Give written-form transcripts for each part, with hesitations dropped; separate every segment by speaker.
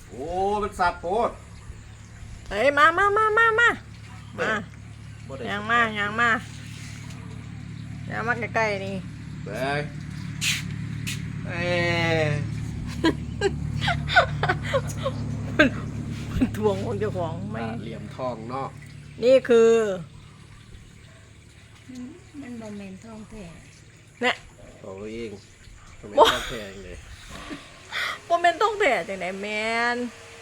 Speaker 1: โอ้มันสับโพด
Speaker 2: เฮ้ยมายังมาใกล้ๆนี่
Speaker 1: เบ้ยเอ้
Speaker 2: มันทวงของเจ้าของไม่
Speaker 1: เหลี่ยมทองเนาะ
Speaker 2: นี่คือ
Speaker 3: มันบะเมนทองแท้
Speaker 2: เนี่ย
Speaker 1: โอ้เองทำไมชอบแพงเลย
Speaker 2: โมเมนต้องแผ่จังไหนแมน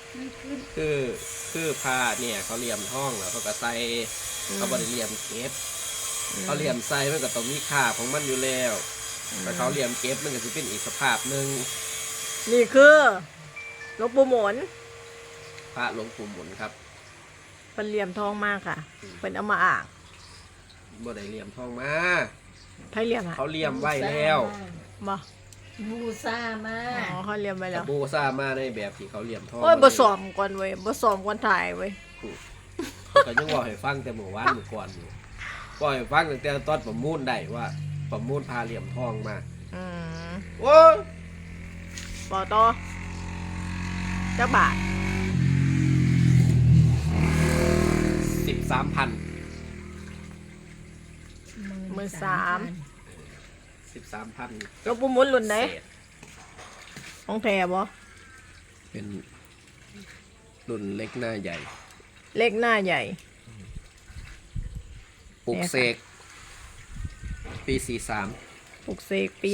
Speaker 1: คือผ้าเนี่ยเขาเหลี่ยมทองแล้วเขาก็ใส่เขาบริเหลี่ยมเก็บเขาเหลี่ยมใส่มันก็ต้องมีค่าของมันอยู่แล้วแต่เขาเหลี่ยมเก็บมันก็จะเป็นอีกสภาพหนึ่ง
Speaker 2: นี่คือหลวงปู่หมุน
Speaker 1: พระหลวงปู่หมุนครับ
Speaker 2: เป็นเหลี่ยมทองมากค่ะเป็นเอามาอ่าง
Speaker 1: บ่ได้เหลี่ยมทองมา
Speaker 2: ไพ่เหลี่ยม
Speaker 1: เขาเหลี่ยมไว้แล้ว
Speaker 2: บ่
Speaker 3: บูซ่ามา
Speaker 2: อ๋อเขาเหลี่ยมไว้แล้ว
Speaker 1: บูซ่ามาในแบบที่เขาเหลี่ยมทอง
Speaker 2: โอ้ยบ่ซ้อมก่อนเว้ยบ่ซ้อมก่อนถ่ายเว้ย
Speaker 1: ก็ยังบอกให้ฟังแต่เมื่อวานเมื่อก่อนอยู่บอกให้ฟังตั้งแต่ตอนประมูลได้ว่าประมูลพาเหลี่ยมทองมาโอ้ย
Speaker 2: บ่ต่อจักบาท
Speaker 1: 13,000 13,000
Speaker 2: หลวงปู่หมุนรุ่นไหนของแท้บ่
Speaker 1: เป็นรุ่นเล็กหน้าใหญ่
Speaker 2: เล็กหน้าใหญ่
Speaker 1: ปลุกเสกปี43
Speaker 2: ปลุกเสกปี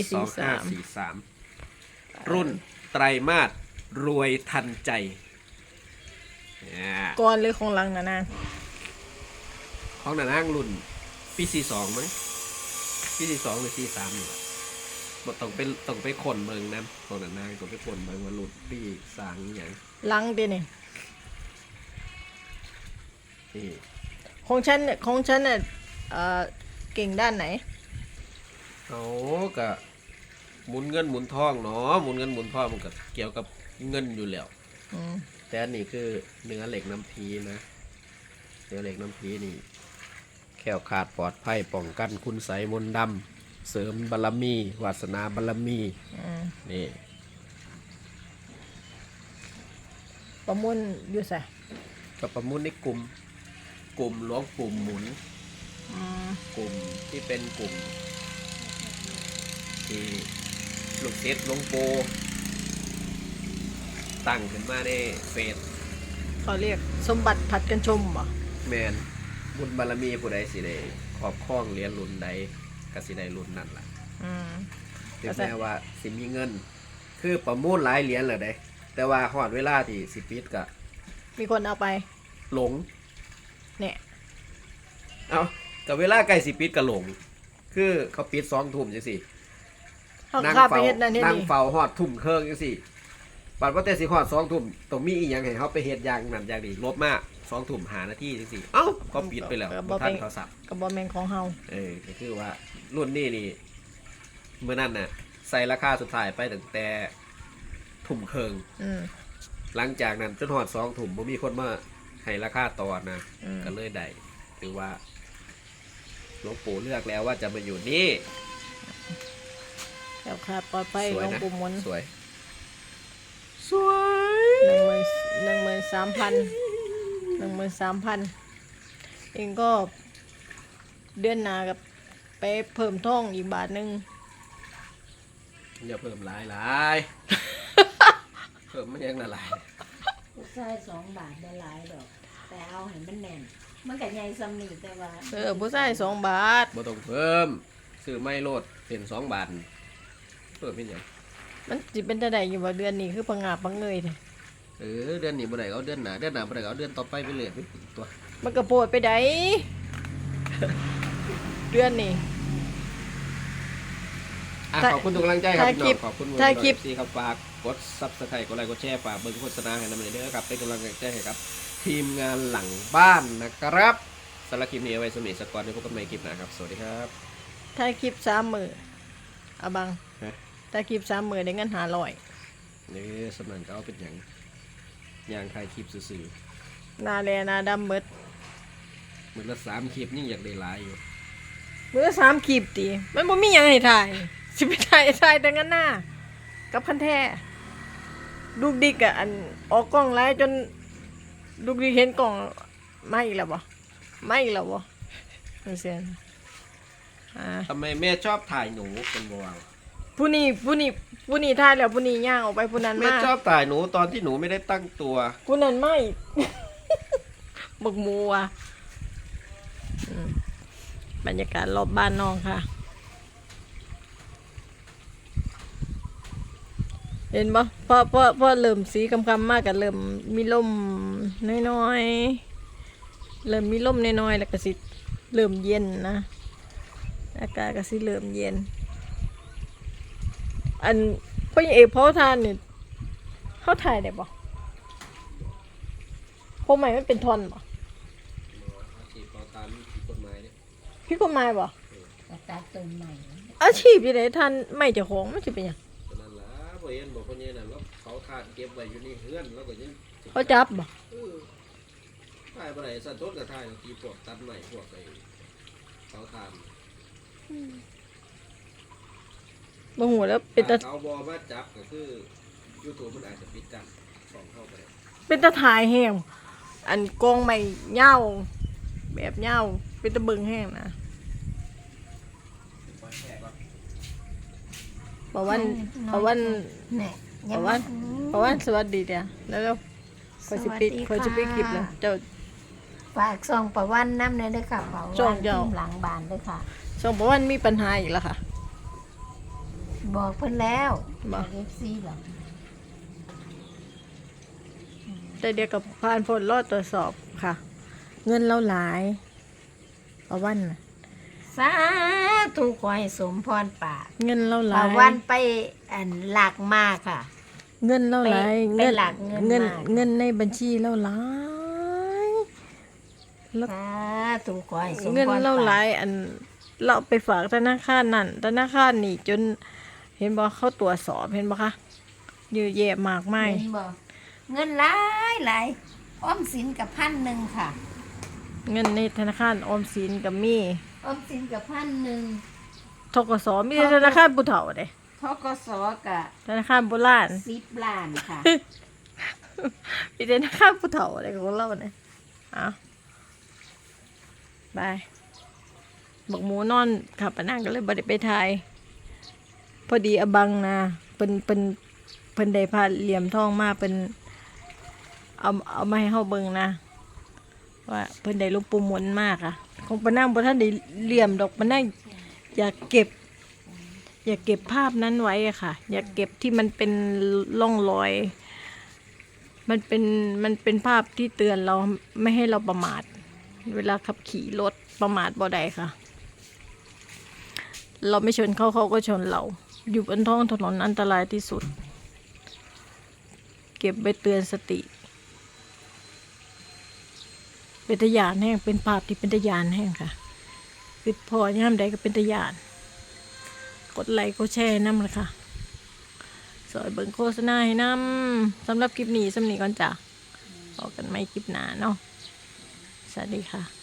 Speaker 1: 2543รุ่นไตรมาสรวยทันใจ
Speaker 2: ก่อนหรือของหลังนะนาง
Speaker 1: ของนางรุ่นปี42มั้งปี42หรือ43นี่บ่ต้องไปคนเบิ่งนะของนางต้องไปคนเบิ่งว่ารุ่นปีสร้างอีหยัง
Speaker 2: หลังดินี่ของฉันเนี่ยเก่งด้านไหน
Speaker 1: เอาก็หมุนเงินหมุนทองเนาะหมุนเงินหมุนทองมันก็เกี่ยวกับเงินอยู่แล้วแต่อันนี้คือเนื้อเหล็กน้ำพีนะเนื้อเหล็กน้ำพีนี่แข็งขาดปลอดภัยป้องกันคุณไสมนต์ดำเสริมบารมีวาสนาบารมีนี่
Speaker 2: ประมุนอยู่ใส่
Speaker 1: กับประมุนในกลุ่มหลวงปู่หมุนกลุ่มที่เป็นกลุ่มที่ลูกศิษย์หลวงปู่ตั้งขึ้นมาในเฟซ
Speaker 2: เขาเรียกสมบัติผัดกันชมบ่
Speaker 1: แมนบุญบารมีผู้ใดสิได้ครอบครองเหรียญรุ่นใดก็สิได้รุ่นนั้นล่ะถึงแม้ว่าสิมีเงินคือประมูลหลายเหรียญเลยเด้แต่ว่าฮอดเวลาที่สิปิดก็
Speaker 2: มีคนเอาไป
Speaker 1: หลง
Speaker 2: เนี่ย
Speaker 1: เอากับเวลาใกล้สิปิดก็หลงคือเขาปิด20:00จังซี่นั่งเฝ้าฮอดทุ่มครึ่งจังซี่บัดว่าแต่สิฮอด20:00ต้องมีอีหยังให้เฮาไปเฮ็ดอย่างนั้นอย่างนี้ลบมา20:00 5 นาทีจังซี่เอ้าก็ปิดไปแล้วบ่ทันเขาสับ
Speaker 2: ก็บ่แม่นของเฮา
Speaker 1: ก็คือว่ารุ่นนี้นี่มื้อนั้นน่ะใส่ราคาสุดท้ายไปตั้งแต่ทุ่มครึ่งหลังจากนั้นจนฮอด20:00บ่มีคนมาให้ราคาต่อนะก็เลยได้ถือว่าหลวงปู่เลือกแล้วว่าจะมาอยู่นี่
Speaker 2: แล้วค่ะปลอดภัยหลวงปู่หมุน
Speaker 1: สวย
Speaker 2: 13,000เองก็เดือนหน้ากับไปเพิ่มท่องอีกบาทนึง
Speaker 1: อย่าเพิ่มหลายเพิ่มมันยังละลาย
Speaker 3: ผู้ชาย2 บาทได้หลายดอกแต่เอาให้มันแน่นมันก็ใหญ่ซ้ำนี่แต่ว่า
Speaker 2: ผู้ชาย2 บาท
Speaker 1: บ่ต้องเพิ่มซื้อไม่โลดเป็น2 บาทเพิ่มเป็นหยัง
Speaker 2: มันสิเป็นจังได๋อยู่ว่าเดือนนี้คือพังงาบพังเงยแท้
Speaker 1: เดือนนี้บ่ได้เอาเดือนหน้าบ่ได้เอาเดือนต่อไปเรื่อยๆตัว
Speaker 2: มันก็โพดไปได้เดือนนี้
Speaker 1: ขอบคุณทุกกำลังใจครับพี่น้องขอบคุณถ่ายคลิปสิครับฝากกด Subscribe กดไลค์กดแชร์ฝากเบิ่งโฆษณาให้นำเด้อครับเป็นกำลังใจให้ครับทีมงานหลังบ้านนะครับสำหรับคลิปนี้เอาไว้สมิสกอร์ในพบกันใหม่คลิปหน้าครับสวัสดีครับ
Speaker 2: ถ่ายคลิป3 มื้ออะบังถ่ายคลิป3 มื้อได้เงิน500
Speaker 1: นี่สำนักก็เอาเป็นอย่างถ่ายคลิปซื่อ
Speaker 2: หน้าแลหน้าดำหมด
Speaker 1: มื้อละ3 คลิปยิ่งอยากได้หลายอยู่
Speaker 2: มื้อละ3 คลิปติมันบ่มีหยังให้ถ่ายสิไปถ่ายแต่งั้นหน้ากับคันแท้ลูกดิกอะอันออกกล้องไล่จนลูกดิกเห็นกล้องไม่อีกแล้วบ่ไม่อีกแล้วบ่จังซี่อ่า
Speaker 1: ทำไมแม่ชอบถ่ายหนูเป็นบวง
Speaker 2: ผู้นี้ท่ายแล้วผู้นี้ย่างออกไปผู้นั้น
Speaker 1: แม่
Speaker 2: มา
Speaker 1: ชอบถ่ายหนูตอนที่หนูไม่ได้ตั้งตัว
Speaker 2: ผู้นั้นไม่ บักหมูว่ะอืมบรรยากาศรอบบ้านน้องค่ะ เห็นปะพอเริ่มสีคำมากกันเริ่มมีลมน้อยๆเริ่มมีลมน้อยๆแล้วก็สิเริ่มเย็นนะอากาศก็สิเริ่มเย็น อันพ่อเอกพ่อทานเนี่ยเขาถ่ายได้ปะพวกใหม่มันเป็นทอนปะ
Speaker 1: ฉีดเป่าตามผิดกฎหมายเนี่ย
Speaker 2: พี่กฎหมายปะ
Speaker 3: ก็ตัดต้นใหม่
Speaker 2: อาชีพยังไงท่านไม่เจะของมันจะเป็นหยัง
Speaker 1: ฉะนั้นล่ะบ่เห็นบอกคนนี้น่ะแล้วเขาทานเก็บไว้อยู่ในเฮือนแล้วก็ยัง
Speaker 2: เขาจับปะ
Speaker 1: ถ่ายบ่ได้สัตว์ต้นก็ถ่ายที่พวกตัดใหม่พวกไอ้เขาทาน
Speaker 2: บ่หูแล้วเป็นตา
Speaker 1: เขาบ่มาจับก็คือ YouTube มันอาจจะปิดกั้นส่องเข้าไปได้
Speaker 2: เป็นตาถ่ายแห้งอันกองไม่เหย้าแบบเหย้าเป็นตะเบิงแห้งนะประวัน
Speaker 3: เนี่ย
Speaker 2: ประวันสวัสดีเดียวแล้วคอยสิปิดคอยจะปิดคลิปเลยเจ้า
Speaker 3: ฝากซองประวันน้ำเลยด้วยค่ะเผา
Speaker 2: ซองเจ้า
Speaker 3: ทีมหลังบานด้วยค่ะ
Speaker 2: ส่งประวันมีปัญหาอีกแล้วค่ะ
Speaker 3: บอกเพิ่นแล้ว
Speaker 2: บอก
Speaker 3: เอฟซีหรอก
Speaker 2: แต่เดียวกับผ่านผลรอดตรวจสอบค่ะ เงินเราหลายประวันน่ะ
Speaker 3: สาธุขอให้สมพรปาก
Speaker 2: เงินเราห
Speaker 3: ป
Speaker 2: ลา
Speaker 3: ระ
Speaker 2: ย
Speaker 3: วันไปอันหลักมากค่ะ
Speaker 2: เงินเราหลาย
Speaker 3: ไปหลักเงิน
Speaker 2: เงิน
Speaker 3: มาก
Speaker 2: เงินในบัญชีเราหลาย แล้ว
Speaker 3: สาธุขอให้สมพรปาก
Speaker 2: เงินเราหลายอันเราไปฝากธนาคารนั่นธนาคารนี่จนเห็นบอกเขาตรวจสอบเห็นบอกคะเยอะแยะมากมาย
Speaker 3: เห็นบ่เงินหลายหลายออมสินกับ1,000ค่ะ
Speaker 2: เงินในธนาคารออมสินกับมี
Speaker 3: ออมสินกับ1,000
Speaker 2: ทกสมีแต่ธนาคารผู้เฒ่าเด้
Speaker 3: ทกสกับ
Speaker 2: ธนาคารโบราณ
Speaker 3: 10 ล้านค่ะ
Speaker 2: มีแต่ธนาคารผู้เฒ่าอะไรของเราเนี่ยเอาบายบอกหมูนอนขับไปนั่งก็เลยบ่ได้ไปถ่ายพอดีอบังนะเป็นได้พาเหลี่ยมทองมาเป็นเอามาให้เฮาเบิ่งนะ ว่าเพิ่นได้หลวงปู่หมุนมากอ่ะคงปนั่งบ่ท่านได้เหลี่ยมดอกปนั่งอยากเก็บภาพนั้นไว้อะค่ะ อยากเก็บที่มันเป็นร่องรอย มันเป็นภาพที่เตือนเราไม่ให้เราประมาท เวลาขับขี่รถประมาทบ่ได้ค่ะ เราไม่ชนเขาก็ชนเรา อยู่บนท้องถนนอันตรายที่สุด เก็บไปเตือนสติ เป็นตะยานแห้งเป็นภาพที่เป็นตะยานแห้งค่ะคือพอย่ามใดก็เป็นตะยาน กดไลค์กดแชร์น้ำเลยค่ะสอยเบิ่งโฆษณาให้น้ำสำหรับคลิปนี้สำนีก่อนจ้ะพบกันไม่คลิปหน้าเนาะสวัสดีค่ะ